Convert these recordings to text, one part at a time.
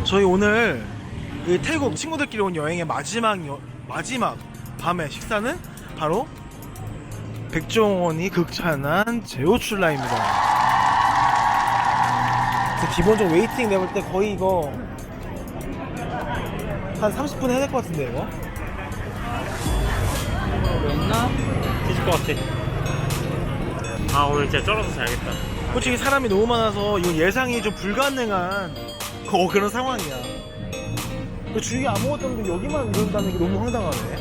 저희 오늘 이 태국 친구들끼리 온 여행의 마지막 밤의 식사는 바로 백종원이 극찬한 제오출라입니다. 기본적으로 웨이팅 내볼 때 거의 이거 한 30분 해야 될 것 같은데 이거? 없나? 뒤질 것 같아. 아 오늘 진짜 쩔어서 자야겠다. 솔직히 사람이 너무 많아서 이거 예상이 좀 불가능한 그런 상황이야. 주위에 아무것도 없는데 여기만 이런다는 게 너무 황당하네.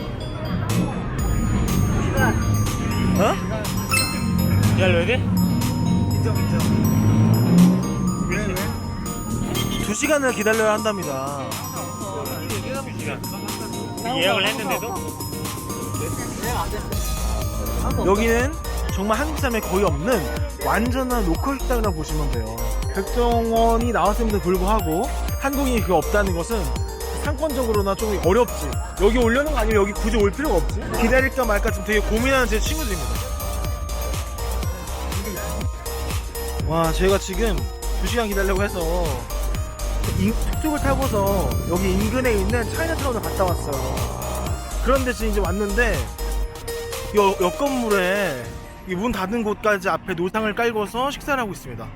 어? 기다려야 돼? 인정. 왜? 2시간을 기다려야 한답니다. 예약을 했는데도? 여기는 정말 한국 사람이 거의 없는 완전한 로컬 식당이라고 보시면 돼요. 백종원이 나왔음에도 불구하고 한국인이 그게 없다는 것은 상권적으로나 좀 어렵지. 여기 오려는 거 아니면 여기 굳이 올 필요가 없지. 기다릴까 말까 지금 되게 고민하는 제 친구들입니다. 와, 저희가 지금 2시간 기다리려고 해서 툭툭을 타고서 여기 인근에 있는 차이나타운을 갔다 왔어요. 그런데 지금 이제 왔는데 옆 건물에 문 닫은 곳까지 앞에 노상을 깔고서 식사를 하고 있습니다.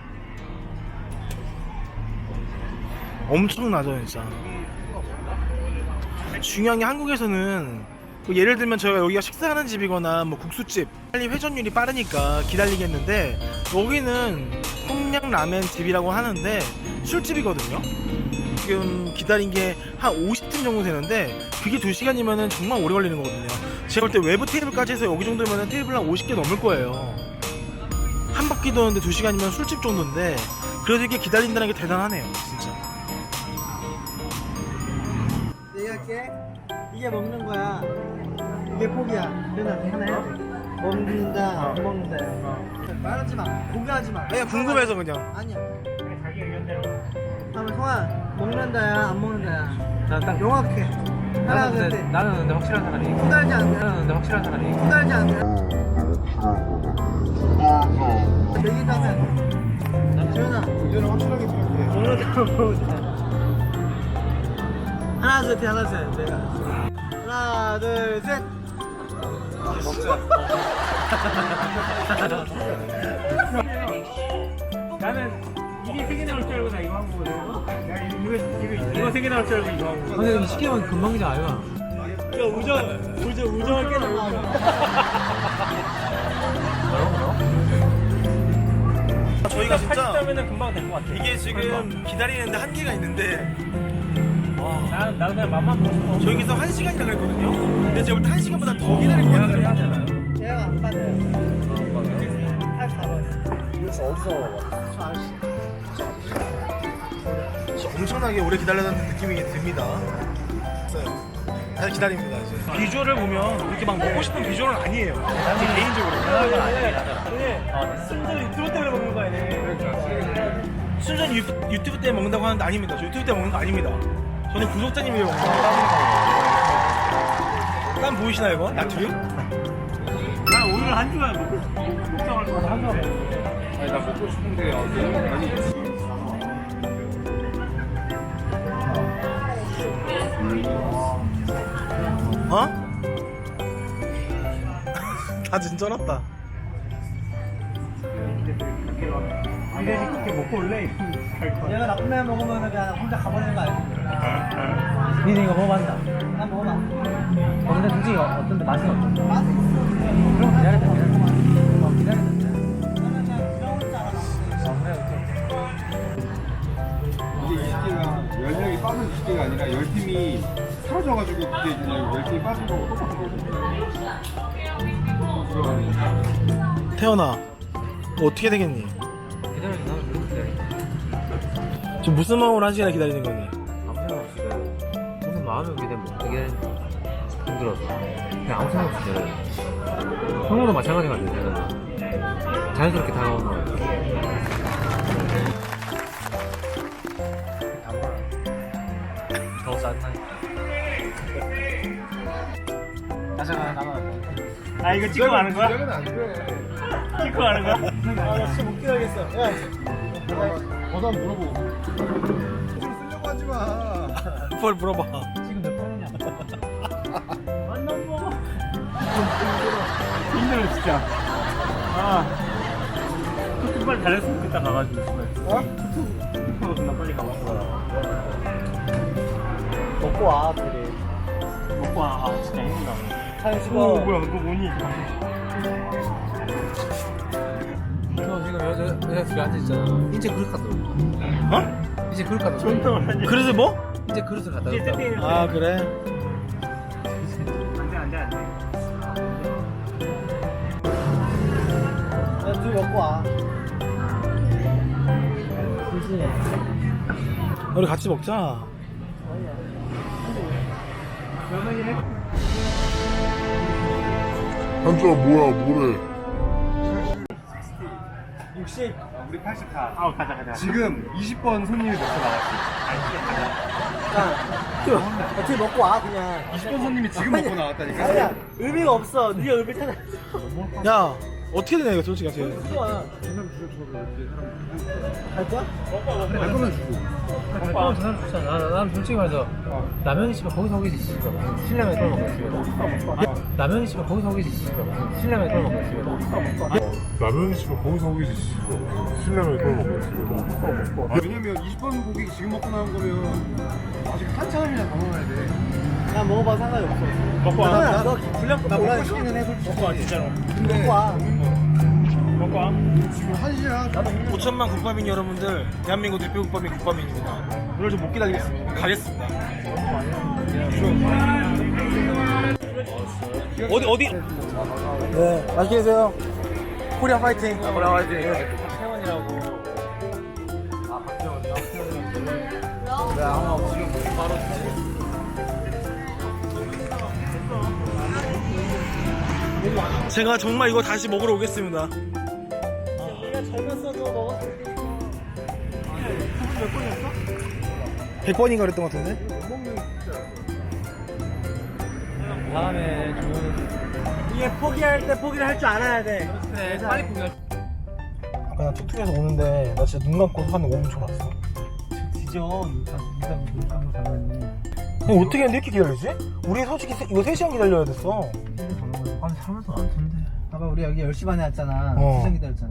엄청나죠 진짜. 중요한 게 한국에서는 예를 들면 저희가 여기가 식사하는 집이거나 뭐 국수집 빨리 회전율이 빠르니까 기다리겠는데, 여기는 평양라멘 집이라고 하는데 술집이거든요. 지금 기다린 게 한 50분 정도 되는데 그게 2시간이면 정말 오래 걸리는 거거든요. 제가 볼 때 외부 테이블까지 해서 여기 정도면 테이블 한 50개 넘을 거예요. 한 바퀴 도는데 2시간이면 술집 정도인데 그래도 이렇게 기다린다는 게 대단하네요 진짜. 얘기할게. 이게 먹는 거야. 이게 포기야. 그냥 하나 해야 돼. 먹는다, 안 먹는다. 말하지 마. 포기하지 마. 그냥 궁금해서 그냥. 아니야. 자기 의견대로. 하면 성아, 먹는다야, 안 먹는다야. 난 명확해. 하나, 둘, 셋. 나는 근데 확실한 사람이. 후달지 않네. 나는 근데 확실한 사람이. 후달지 않네. 얘기하면. 지훈아. 의견을 확실하게 생각해. 먹는다, 먹는다. 하나, 둘, 셋, 하나, 둘, 셋. 내가. 하나, 둘, 셋. 먹자. 나는 이게 3개 나올 줄 알고 나 이거 한 거거든. 이거 3개 나올 줄 알고 이거 한 거거든. 근데 20개만 금방이지 아이가. 야 우정을 깨나. 저희가 진짜 80점이면 금방 될 것 같아. 이게 지금 기다리는데 한계가 있는데 나는 그냥 맘만 보고 싶어. 저기서 1시간이나 그랬거든요. 근데 제가 볼 때 1시간보다 더 기다릴 것 같아요. 얘가 안 받아요. 84번. 그래서 어디서 저 아저씨. 엄청나게 오래 기다렸다는 느낌이 듭니다. 잘 기다립니다 이제. 비주얼을 보면 이렇게 막 먹고 싶은 비주얼은 아니에요. 제 개인적으로. 순전 유튜브 때문에 먹는 거 아니네. 순전 유튜브 때문에 먹는다고 하는데 아닙니다. 저 유튜브 때문에 먹는 거 아닙니다. 저는 구독자님이 먹는 거예요. 땀 보이시나요 이거? 나트륨? 나 오늘 한 주간 걱정할 거다 한 주간. 아니 나 먹고 싶은데 아니 어? 다 진짜났다. 이래지 그렇게 먹고 올래? 얘가 나쁜 애 먹으면 그냥 혼자 가버리는 거 알지? 니네 이거 먹어봤나? 난 먹어봐. 근데 솔직히 어떤데 맛은 어떤데? 맛? 그럼 기다렸다. 기다렸다. 나는 그냥 부러울 줄 알았어. 이게 20개가 10명이 빠진 20개가 아니라 10팀이 틀어져가지고 그게 이제 10팀이 빠진 거고 똑같은 거고. 태연아, 너 어떻게 되겠니? 기다려도 나는 그렇게 기다려. 지금 무슨 마음으로 1시간 기다리는 거니? 아무 생각 없이 기다려. 무슨 마음이 오게 되면 어떻게 힘들어서. 그냥 아무 생각 없이 기다려. 형도 마찬가지 같아. 자연스럽게 다가오는 거야. 더 짜증나니까. 가져가, 나가. 아 이거 찍고 가는 거야? 시작은 안 돼. 찍고 가는 거야? 아, 나 진짜 못 기다리겠어. 야, 저도 한번 물어보고. 술 쓰려고 하지 하지 마. 뭘 물어봐. 지금 몇 번이냐? 만난 거. 힘들어 진짜. 아. 좀 빨리 잘했으면 좋겠다 가가지고. 어? 나 빨리 가봤어. 먹고 와 둘이. 먹고 와. 아 진짜 힘들다. 사진 오 찍어. 뭐야 이거 뭐니? 너 지금 여자들이 앉아있잖아. 이제 그릇 갖다 놓을까? 어? 이제 그릇 갖다 존나 놓을까? 많이. 그래서 뭐? 이제 그릇을 갖다 이제 놓을까? 세팅해. 아 그래. 안돼. 야, 둘이 먹고 와. 그렇지. 우리 같이 먹자. 한자 뭐야 뭐래 60. 우리 84. 아우 가자. 지금 20번 손님이 몇개 나왔어. 야, 둘이 먹고 와 그냥. 20번 손님이 지금 먹고 나왔다니까. 아니야 의미가 없어. 네가 의미 찾아. 야 어떻게 되냐 이거 솔직히 같이. 먹고 와. 갈 거야? 갈 거면 주고. 저 사람 좋잖아. 난 솔직히 말해서 라면이 씨발 거기서 오겠지 씨발. 신라면 끓여 먹겠지. 라면이 씨발 거기서 오겠지 씨발. 신라면 끓여 먹겠지. 라면 씨발 거기서 오기지 신라면 그걸 먹겠지 왜냐면 20번 고기 지금 먹고 나온 거면 아직 한참이나 더 먹어야 돼. 그냥 먹어봐 상관이 없어. 먹고 와. 야, 너 분량 나 먹고 먹고 와. 싶기는 해 솔직히. 먹고 와 진짜로. 근데 먹고 와. 먹고 와. 지금 1시야. 5천만 국밥인 여러분들, 대한민국 대표 국밥인 국밥인입니다. 오늘 좀 못 기다리겠습니다. 가겠습니다. 어디? 네, 맛있게 드세요. 코리아 파이팅. 코리아 파이팅. 태원이라고. 아 박태원이요? 왜 아무 없으면 뭐 바로 주지? 제가 정말 이거 다시 먹으러 오겠습니다. 네가 젊었어도 먹었을 때. 100번인가 그랬던 것 같은데? 다음에 좋은. 이게 포기할 때 포기를 할 줄 알아야 돼. 그래 빨리 포기할. 아까 나 툭툭해서 오는데 나 진짜 눈 감고 한 5분 전 왔어. 뒤져. 네가 눈 감고 자면. 어떻게 했는데 이렇게 기다리지? 우리 솔직히 이거 3시간 기다려야 됐어. 아니 사람도 많던데. 봐봐 우리 여기 10시 반에 왔잖아. 어. 2시간 기다렸잖아.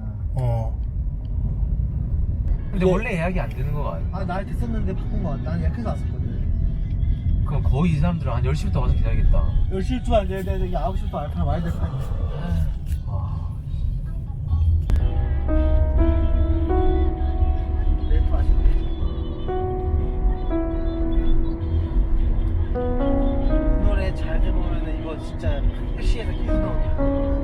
근데 네. 원래 예약이 안 되는 거 아니야? 아 날 됐었는데 바꾼 거 같다. 난 예약해서 왔었거든. 그럼 거의 이 사람들은 한 10시부터 와서 기다리겠다. 10시부터 알게 돼. 여기 9시부터 알파 와야 될 거 아니야. 와. 내일 또 아쉽네. 이 노래 잘 들으면 이거 진짜 택시에서 계속 나오냐.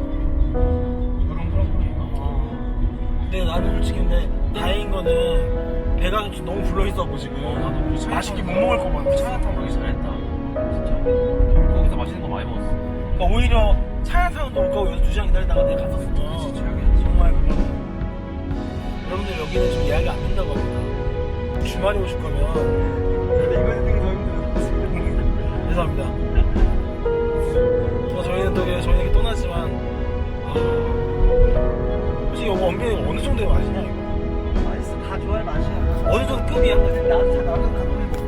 근데 나는 솔직히 근데 다행인 거는 배가 좀 너무 불러있었고 지금 맛있게 못 먹을 거 같아. 차야탕 먹기 잘했다. 진짜. 거기서 맛있는 거 많이 먹었어. 그러니까 오히려 차야타운도 올 거고 여기서 2시간 기다리다가 내가 갔었으면 그치, 최악이었지. 정말 그냥 여러분들 여기는 지금 예약이 안 된다고 합니다. 주말에 오실 거면 근데 이거 했던 게더 힘들어. 죄송합니다. 저희는 저희는 떠나지만 솔직히 이거 원빈이 어느 정도의 맛이냐 이거? 맛있어. 다 좋아할 맛이야. 어느 정도 급이야? 나도 다 나도 가끔